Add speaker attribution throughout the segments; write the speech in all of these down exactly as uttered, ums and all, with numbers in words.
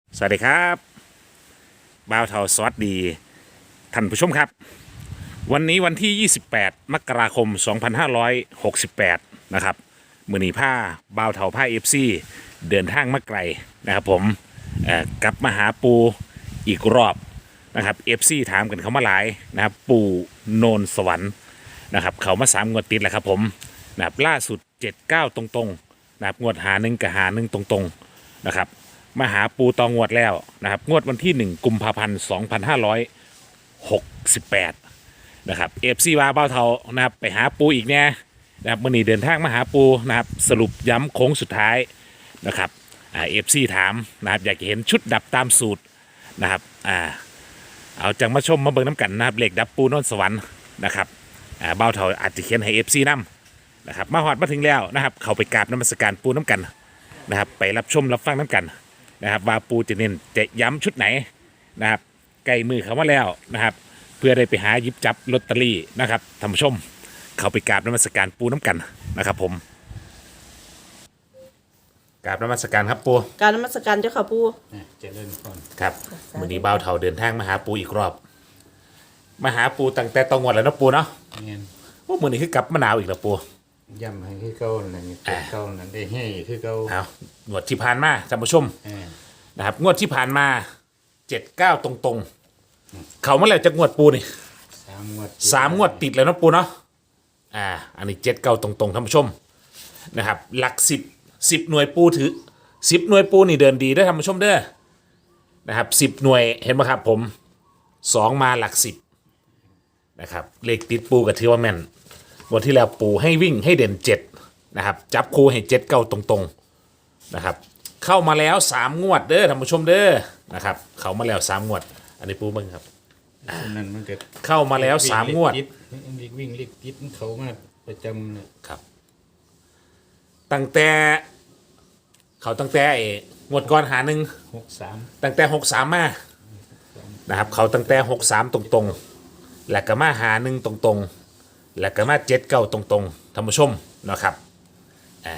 Speaker 1: สวัสดีครับบ่าวเทาสวัสดีท่านผู้ชมครับวันนี้วันที่ยี่สิบแปดมกราคมสองพันห้าร้อยหกสิบแปดนะครับมือนีผ้าบ่าวเทาผ้าเอฟซีเดินทางมาไกลนะครับผมเอ่อกลับมาหาปูอีกรอบนะครับเอฟซีถามกันเขามาหลายนะครับปูโนนสวรรค์นะครับเขามาสามงวดติดแล้วครับผมนะครับล่าสุดเจ็ดเก้าตรงๆนะครับงวดหาหนึ่งกับหาหนึ่งตรงๆนะครับ มาหาปูตองงวดแล้วนะครับงวดวันที่หนึ่งกุมภาพันธ์สองพันห้าร้อยหกสิบแปดนะครับเอฟซีวาเบ้าเทานะครับไปหาปูอีกเนี่ยนะครับมื่อนี้เดินทางมาหาปูนะครับสรุปย้ำโค้งสุดท้ายนะครับอ่าเอฟซีถามนะครับอยากเห็นชุดดับตามสูตรนะครับอ่าเอาจังมาชมมาเบิ่งน้ำกันนะครับเหล็กดับปูนนสวรรค์นะครับอ่าเบ้าเทาอาจจะเขียนให้เอฟซีนำนะครับมาหอดมาถึงแล้วนะครับเขาไปกราบน้ำมศการปูน้ำกันนะครับไปรับชมรับฟังน้ำกันนะครับว่าปูจะเน้นจะย้ำชุดไหนนะครับใกล้มือเขามาแล้วนะครับเพื่อได้ไปหาหยิบจับลอตเตอรี่นะครับท่านผู้ชมเขาไปกราบนมัสการปูน้ำกันนะครับผมกราบนมัสการครับปู
Speaker 2: การนมัสการเจ้าค่ะปู่
Speaker 3: เจริญพร
Speaker 1: ครับมือนี้บ่าวเฒ่าเดินทางมาหาปูอีกรอบมาหาปูตั้งแต่ตองวดแล้วเนาะปูเนาะ
Speaker 3: เงี้ย
Speaker 1: ว่ามือนี้คือกลับมะนาวอีกแล้วปู
Speaker 3: ย่ำให้คือเก่านั่นนี่เป็นเก่านั่นได้ให้คือเก่า
Speaker 1: เอางวดที่ผ่านมาท่านผู้ชม
Speaker 3: เออ
Speaker 1: นะครับงวดที่ผ่านมาเจ็ดเก้าตรงๆเขามาแล้วจะงวดปูนี่
Speaker 3: สามงวด
Speaker 1: สามงวดติดแล้วนะปูเนาะ อ่า อันนี้เจ็ดเก้าตรงๆท่านผู้ชมนะครับ หลักสิบสิบหน่วยปูถือสิบหน่วยปูนี่เดินดีได้อท่านผู้ชมเด้อ นะครับสิบหน่วยเห็นไหมครับผมสองมาหลักสิบนะครับ เลขติดปูกับถือว่าแม่นวันที่แล้วปูให้วิ่งให้เด่นเจ็ดนะครับ จับคู่ให้เจ็ดเก้าตรงๆนะครับ เข้ามาแล้วสามงวดเด้อท่านผู้ชมเด้อ นะครับ เข้ามาแล้วสามงวด อันนี้ปูมึงครับ
Speaker 3: นั่นมันก็
Speaker 1: เข้ามาแล้วสามงวด
Speaker 3: วิ่งวิ่งเล็กติดเขามาประจำเนี่ย
Speaker 1: ครับตั้งแต่เขาตั้งแต่ไอ้งวดก่อนหาหนึ่ง
Speaker 3: หกสาม
Speaker 1: ตั้งแต่หกสามมานะครับเขาตั้งแต่หกสามตรงๆ แล้วก็มาหาหนึ่งตรงๆ แล้วก็มาเจ็ดเก้าตรงๆท่านผู้ชมนะครับอ่า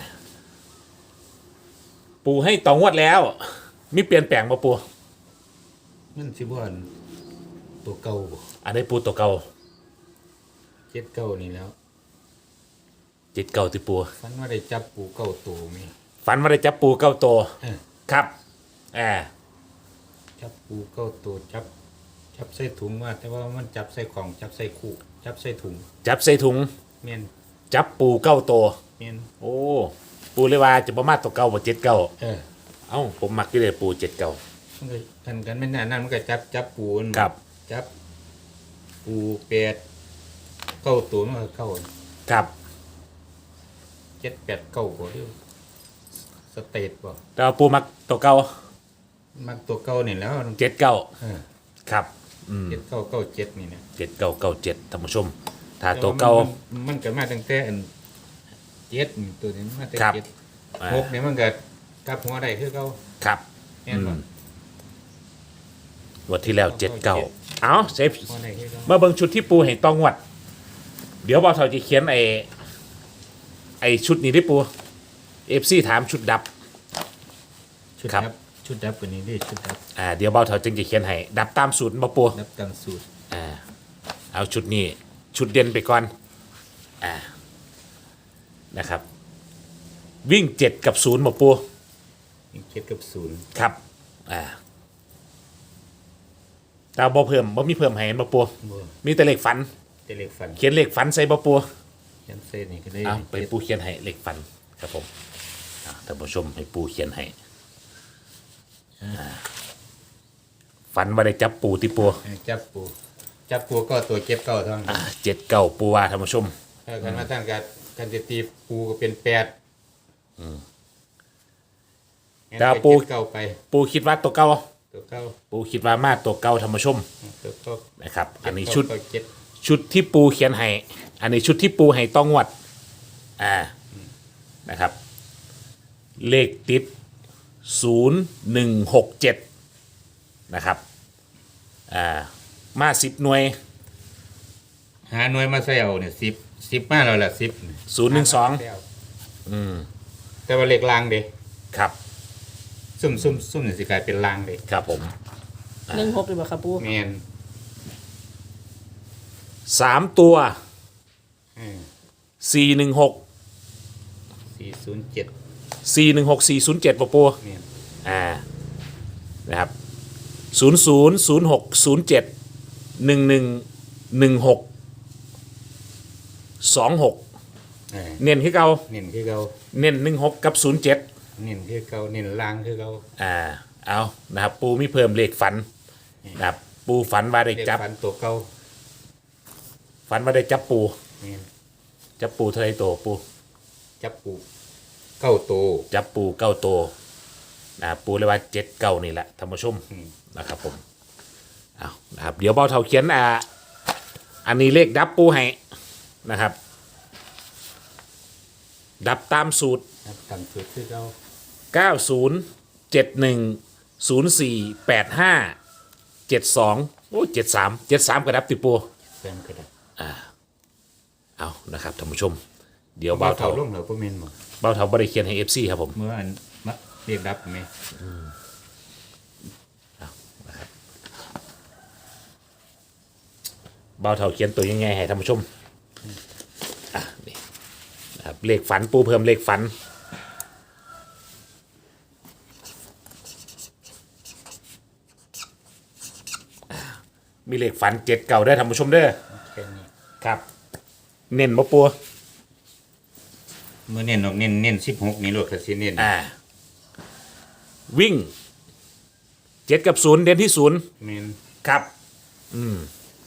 Speaker 1: ปูให้ต่องวดแล้ว มีเปลี่ยนแปลงมาปู
Speaker 3: มันสิบ่อนตัวเก่าบ่
Speaker 1: อันนี้ปูตัวเก่า
Speaker 3: เจ็ดเก่านี่แล้ว
Speaker 1: เจ็ดเก้าที่ปู
Speaker 3: ฟันว่าได้จับปูเก่าตัวมี
Speaker 1: ฝันว่าได้จับปูเก้าตัว
Speaker 3: เออ
Speaker 1: ครับอ่า
Speaker 3: จับปูเก่าตัวจับจับใส่ถุงว่า แต่ว่ามันจับใส่ของจับใส่คู่จับใส่ถุง
Speaker 1: จับใส่ถุง
Speaker 3: เมียน
Speaker 1: จับปูเก้าตัว
Speaker 3: เมียน
Speaker 1: โอ้ปูเลยว่าจะประมาณตัวเก่าบ่เจ็ดเก้า
Speaker 3: เออ
Speaker 1: เอ้าผมมักที่เลยปูเจ็ดเก่า
Speaker 3: มันก็กันกันไม่นานนั่นมันก็จับจับปูน
Speaker 1: ครับ
Speaker 3: จับปูเป็ดเก้าตัวมันก็เก้า
Speaker 1: ครับ
Speaker 3: เจ็ดแปดเก้าบ่เด้อสเตทบ่
Speaker 1: แต่ว่าปูมักตัวเก่า
Speaker 3: มันตัวเก้านี่แล้ว
Speaker 1: เจ็ดเก้า
Speaker 3: เออ
Speaker 1: ครับอืม
Speaker 3: เจ็ดเก้าเก้าเจ็ดนี่นะ
Speaker 1: เจ็ดเก้าเก้าเจ็ดท่านผู้ชม ถ้าตัวเก่า
Speaker 3: มันมันก็มาตั้งแต่อันเจ็ดนี่ตัวนี้มาแต่
Speaker 1: ครับ
Speaker 3: เจ็ด
Speaker 1: อ่า
Speaker 3: หกเนี่ยมันก็กลับหัวได้คือเก้า
Speaker 1: ครับ
Speaker 3: แม่นบ่
Speaker 1: อืม งวันที่แล้วเจ็ดเก้าเอาเซฟ
Speaker 3: หัวได้คือเก้า
Speaker 1: เมื่อเบิ่งชุดที่ปูเห็นต้องงวด เดี๋ยวบ่าวเฒ่าจะเขียนไอ้ไอ้ชุดนี้ที่ปูเอฟซีถามชุดดับ
Speaker 3: ชุด
Speaker 1: ครับ
Speaker 3: ดับชุดดับกว่านี้ดิชุดดับ
Speaker 1: อ่าเดี๋ยวบ่าวเฒ่าจึงจะเขียนให้ดับตามสูตรบ่ปู
Speaker 3: ดับตามสูตร
Speaker 1: อ่าเอาชุดนี้ชุดเด่นไปก่อนอ่านะครับ วิ่งเจ็ดกับศูนย์บ่ปู
Speaker 3: มีเจ็ดกับศูนย์
Speaker 1: ครับอ่าตาบ่เพิ่มบ่มีเพิ่มให้บ่ปู
Speaker 3: บ่
Speaker 1: มีแต่เลขฝัน
Speaker 3: แต่เลขฟัน
Speaker 1: เขียนเลขฝันใส่บ่ปู
Speaker 3: ยันเส้นนี่ก็ได้
Speaker 1: เอาไปปูเขียนให้เลขฝันครับผมอ่าท่านผู้ชมให้ปูเขียนให้อ่าฝันว่าได้จับปูที่ปู
Speaker 3: เออจับปูจับปูก็ตัวเจ็ดเก้าเท่านั้น
Speaker 1: อ่าเจ็ดเก้าปูว่าท่านผู้ชม
Speaker 3: เออกันมาตั้งกันกันจะตีปูก็เป็นแปด
Speaker 1: แต่ปู
Speaker 3: เจ็ดเก้าไป
Speaker 1: ปูคิดว่าตัวเก่า
Speaker 3: ตัวเก้า
Speaker 1: ปูคิดว่ามาตัวเก่าท่านผู้ชม
Speaker 3: ตัวเก้า
Speaker 1: นะครับ อันนี้ชุด
Speaker 3: เก้าเจ็ด
Speaker 1: ชุดที่ปูเขียนให้ อันนี้ชุดที่ปูให้ต้องงวด อ่า นะครับ เลขติดศูนย์หนึ่งหกเจ็ดนะครับ อ่า มาสิบหน่วย
Speaker 3: หาหน่วยมาใส่เอาเนี่ยสิบสิบมาแล้วล่ะสิบ
Speaker 1: ศูนย์หนึ่งสอง
Speaker 3: อืมแต่ว่าเลขลางเด้
Speaker 1: ครับ
Speaker 3: ซุ่มซุ่มซุ่มนี่สิกลายเป็นลางเลย
Speaker 1: ครับผม
Speaker 2: หนึ่งหกเลยบ่ครับปู
Speaker 3: แมน
Speaker 1: สามตัว
Speaker 3: อืม
Speaker 1: สี่หนึ่งหก
Speaker 3: สี่ศูนย์เจ็ด
Speaker 1: สี่หนึ่งหกสี่ศูนย์เจ็ดปะปู
Speaker 3: แมน
Speaker 1: อ่านะครับศูนย์ศูนย์ศูนย์หกศูนย์เจ็ดหนึ่งหนึ่งหนึ่งหกสองหก
Speaker 3: เออ
Speaker 1: เน้นคือเก่า
Speaker 3: เน้นคือเก่า
Speaker 1: เน้นหนึ่งหกกับศูนย์เจ็ด
Speaker 3: เน้นคือเก่าเน้นลางคือเก่า
Speaker 1: อ่าเอานะครับปูมีเพิ่มเลขฝันนะครับปูฝันว่าได้
Speaker 3: เรียก
Speaker 1: จับ
Speaker 3: ฟันตัวเก่า
Speaker 1: ฝันว่าได้จับปู
Speaker 3: แมน
Speaker 1: จับปูเท่าไรโตปู
Speaker 3: จับปูเก้าตัว
Speaker 1: จับปูเก้าโตวนะครับปูเลยว่าเจ็ดเก้านี่แหละท่านผู้ชม
Speaker 3: อืม
Speaker 1: นะครับผมเอานะครับเดี๋ยวเบาเท่าเขียนอ่าอันนี้เลขดับปูให้นะครับ ดับตามสูตร
Speaker 3: ครับตามสูตรคือเก่า
Speaker 1: เก้าศูนย์ เจ็ดหนึ่ง ศูนย์สี่ แปดห้า เจ็ดสองโอ้เจ็ดสามเจ็ดสามกระดับติปู
Speaker 3: แฟนก็ได้
Speaker 1: เอานะครับท่านผู้ชม เดี๋ยว
Speaker 3: เบา
Speaker 1: เบา
Speaker 3: เท่า
Speaker 1: เท่า
Speaker 3: ลงเหรอพ่อแม่นบ่
Speaker 1: เบาเท่าบริเคียนให้เอฟซีครับผม
Speaker 3: เมื่ออันมะเรียกดับไหม
Speaker 1: เบาเท่าเขียนตัวยังไงให้ท่านผู้ชมอ่ะนี่นะครับเลขฝันปูเพิ่มเลขฝันอ่ะมีเลขฝันเจ็ดเก่าได้อท่านผู้ชมเด้อ
Speaker 3: แค่นี้
Speaker 1: ครับ เน้นบ่ปัว
Speaker 3: เมื่อเน้นออกเน้นเน้นสิบหกนี่โลดก็สิเน้น
Speaker 1: อ่า วิ่งเจ็ดกับศูนย์เด่นที่ศูนย์
Speaker 3: แม่น
Speaker 1: ครับ อืม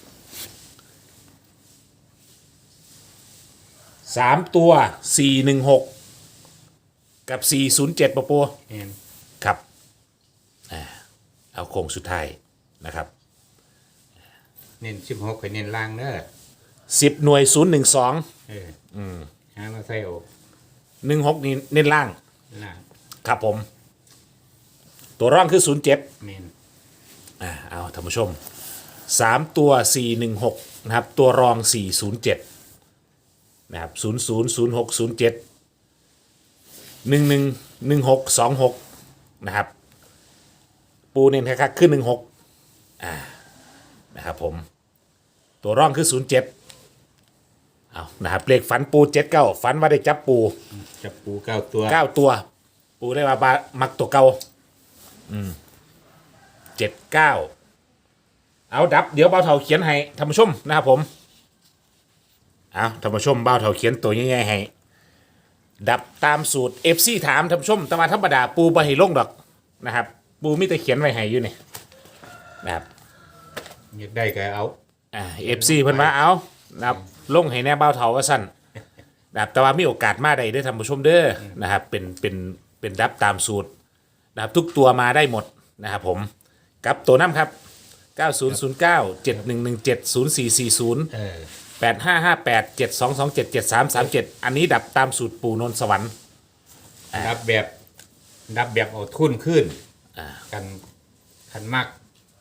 Speaker 1: สามตัวสี่หนึ่งหกกับสี่ศูนย์เจ็ดปะปัว
Speaker 3: แม่น
Speaker 1: ครับอ่าเอาโค้งสุดท้ายนะครับ
Speaker 3: เน้นสิบหกก็เน้นล่างเด้อ
Speaker 1: สิบหน่วยศูนย์หนึ่งสอง
Speaker 3: เอออืมหามาใส่ออก
Speaker 1: หนึ่งหกนี่เน้นล่าง
Speaker 3: ล่าง
Speaker 1: ครับผม ตัวร่องคือศูนย์เจ็ด
Speaker 3: แม่น
Speaker 1: อ่าเอาท่านผู้ชมสามตัวสี่หนึ่งหกนะครับ ตัวรองสี่ศูนย์เจ็ดนะครับศูนย์ศูนย์ศูนย์หกศูนย์เจ็ดหนึ่งหนึ่งหนึ่งหกสองหกนะครับ ปูเน้นคักๆขึ้นหนึ่งหกอ่านะครับผม ตัวร่องคือศูนย์เจ็ดเอานะครับเลขฝันปูเจ็ดเก้าฝันว่าได้จับปู
Speaker 3: จับปูเก้าตัว
Speaker 1: เก้าตัว ปูได้มาบามักตัวเก่าอืมเจ็ดเก้าเอาดับเดี๋ยวเบาเถาเขียนให้ท่านผู้ชมนะครับผมเอาท่านผู้ชมเบาเถาเขียนตัวง่ายๆให้ดับตามสูตรเอฟซีถามท่านผู้ชมแต่ว่าธรรมดาปูบะให้ลงดอกนะครับ ปูมิแต่เขียนไว้ให้อยู่นี่นะครับ
Speaker 3: อยากได้ก็เอา
Speaker 1: อ่าเอฟซีเพิ่นว่าเอานะครับลงให้แน่เบาเถาว่าสั้นนะครับแต่ว่ามีโอกาสมาได้เด้อท่านผู้ชมเด้อนะครับเป็นเป็นเป็นดับตามสูตรนะครับทุกตัวมาได้หมดนะครับผมกับตัวน้ำครับเก้าศูนย์ศูนย์เก้า เจ็ดหนึ่งหนึ่งเจ็ด ศูนย์สี่สี่ศูนย์
Speaker 3: เออ
Speaker 1: แปดห้าห้าแปด เจ็ดสองสองเจ็ด เจ็ดสามสามเจ็ดอันนี้ดับตามสูตรปู่นนท์สวรรค์
Speaker 3: ดับแบบดับแบบเอาทุนขึ้น
Speaker 1: อ่า
Speaker 3: กันขันมาก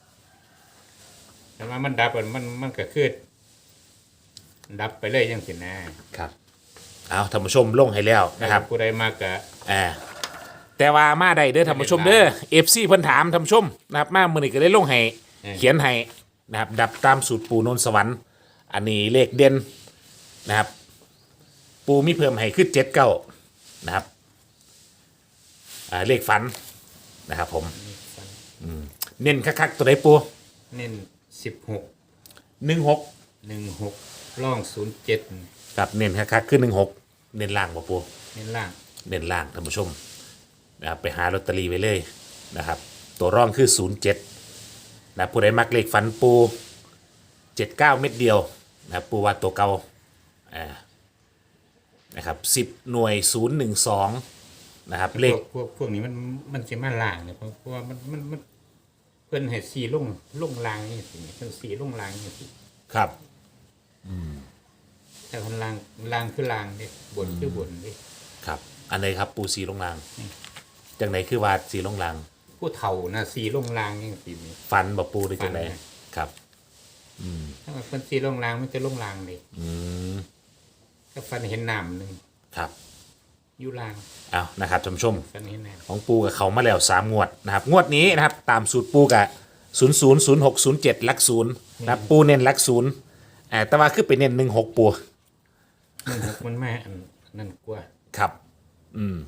Speaker 3: แต่ว่ามันดับอะมันมันก็คือดับไปเลยยังสินะครับ
Speaker 1: เอาท่านผู้ชมลงให้แล้วนะครับ
Speaker 3: ผู้ใดมากก็
Speaker 1: อ่าแต่ว่ามาได้เด้อท่านผู้ชมเด้อเอฟซีเพิ่นถามท่านผู้ชมนะครับมามือนี้ก็ได้ลงให้เขียนให้นะครับดับตามสูตรปู่นนท์สวรรค์อันนี้เลขเด่นนะครับ ปูมีเพิ่มให้ขึ้นเจ็ดเก้านะครับอ่าเลขฝันนะครับผมอืมเน้นคักๆตัวไหนปู
Speaker 3: เน้นสิบหก
Speaker 1: หนึ่งหก
Speaker 3: หนึ่งหกร่องศูนย์เจ็ด
Speaker 1: กับเน้นคักๆขึ้นหนึ่งหกเน้นล่างป่ะปู
Speaker 3: เน้นล่าง
Speaker 1: เน้นล่างท่านผู้ชมนะครับไปหาลอตเตอรี่ไว้เลยนะครับ ตัวร่องคือศูนย์เจ็ดนะผู้ใดมักเลขฝันปูเจ็ดเก้าเม็ดเดียวนะครับปูว่าตัวเก่าอ่านะครับสิบหน่วยศูนย์หนึ่งสองนะครับเล
Speaker 3: พ
Speaker 1: ข
Speaker 3: วกพวกพวกนี้มันมันสิมาล่างเนี่ยเพราะเพราะว่ามันมันมันเพิ่นให้สีลงลงล่างนี่สิเพิ่นสีลงล่างนี่สิ
Speaker 1: ครับ
Speaker 3: แต่คนล่างล่างคือล่างเด้บนคือบนเด้
Speaker 1: ครับอันไหนครับปูสีลงรางจังไหนคือว่าสีลงราง
Speaker 3: ผู้เฒ่านะสีลงล่างจังซี่นี่
Speaker 1: ฟันบอกปูหรือจังไหน
Speaker 3: ฟัน
Speaker 1: ครับ
Speaker 3: ถ้าว่าเพิ่นสีลงล่างมันจะลงล่างเด้
Speaker 1: อืม
Speaker 3: ก็ฟันเห็นน้ำหนึง
Speaker 1: ครับ
Speaker 3: ออยู่ล่าง
Speaker 1: เอานะครับท่านผู้ชม
Speaker 3: ตอนนี้แน่
Speaker 1: ของปูกับเขามาแล้วสามงวดนะครับงวดนี้นะครับตามสูตรปูกับศูนย์ศูนย์ศูนย์หกศูนย์เจ็ดลักศูนย์นะครับปูเน้นลักศูนย์อ่าแต่ว่าคือไปเน้นหนึ่งหกปู
Speaker 3: มันหกมันแม่อันนั่นกว่า
Speaker 1: ครับอืม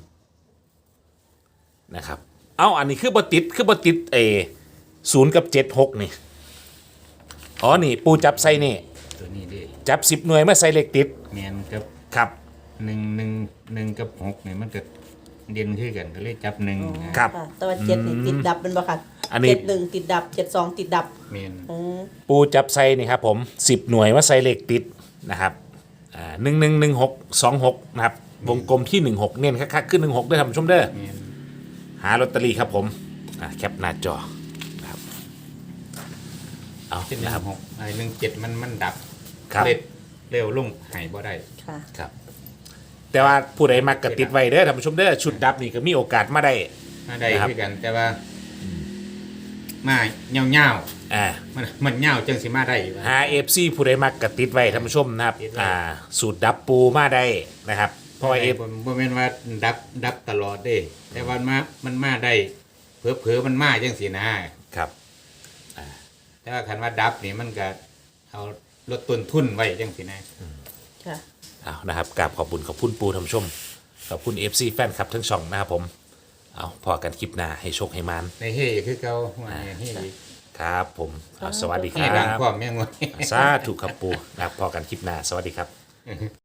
Speaker 1: นะครับเอาอันนี้คือบติดคือบติดเอศูนย์กับเจ็ดหกนี่อ๋อนี่ปูจับใส่นี่
Speaker 3: ตัวนี้ดิ
Speaker 1: จับสิบหน่วยมาใส่เลขติด
Speaker 3: แมนกับ
Speaker 1: ครับ
Speaker 3: หนึ่งหนึ่งหนึ่งกับหกเนี่ยมันก็เด่นขึ้นกันก็เลยจับหนึ่งนะครับ
Speaker 2: ค่ะแต่ว่าเจ็ดนี่ติดดับเป็นบ่ค่ะ
Speaker 1: อันนี้
Speaker 2: เจ็ดหนึ่งติดดับเจ็ดสองติดดับ
Speaker 3: แมน
Speaker 2: อืม
Speaker 1: ปูจับใส่นี่ครับผมสิบหน่วยมาใส่เลขติดนะครับอ่าหนึ่งหนึ่งหนึ่งหกสองหกนะครับวงกลมที่หนึ่งหกเน้นคักๆขึ้นหนึ่งหกด้วยท่านผู้ชมเด้อ
Speaker 3: แมน
Speaker 1: หาลอตเตอรี่ครับผมอ่าแคปหน้าจอนะครับเอา
Speaker 3: เป็นหนึ่
Speaker 1: นะ
Speaker 3: ง
Speaker 1: ครับ
Speaker 3: หกไอ้หนึ่งเจ็ดมันมันดับ
Speaker 1: ครับ
Speaker 3: เร็วเร็วลงหายบ่ได้
Speaker 2: ค่ะ
Speaker 1: ครับ แต่ว่าผู้ใดมากระติดไว้เด้อท่านผู้ชมเด้อชุดดับนี่ก็มีโอกาสมาได้
Speaker 3: มาได้
Speaker 1: นะครับ
Speaker 3: ขึ้นกัน แต่ว่ามาเงาเงา
Speaker 1: อ่า
Speaker 3: ๆมันมันเงาจังสิมาได้วะ
Speaker 1: หาเอฟซีผู้ใดมากระติดไว้ท่านผู้ชมนะครับ
Speaker 3: ติดไว้
Speaker 1: อ่าสูตรดับปูมาได้นะครับเพราะว่าเอฟ
Speaker 3: บ่บ่แม่นว่าดับดับตลอดเด้ แต่ว่ามามันมาได้เผลอๆมันมาจังสินะครับ แต่ว่าคันว่าดับนี่มันก็เอาลดต้นทุนไว้จังสินะ
Speaker 2: ค่ะ
Speaker 1: เอานะครับกราบขอบคุณขอบคุณปูท่านผู้ชมขอบคุณเอฟซีแฟนคลับทั้งช่องนะครับผมเอาพอกันคลิปหน้าให้โชคให้มาน
Speaker 3: ในเฮ้คือเก่าว่าไงเฮ้อีก
Speaker 1: ครับผมเอาสวัสดีค
Speaker 3: ให้
Speaker 1: รั
Speaker 3: ดัง
Speaker 1: บ
Speaker 3: พร้อมแม่งวะ
Speaker 1: สาธุครับปูนะครับพอกันคลิปหน้าสวัสดีครับ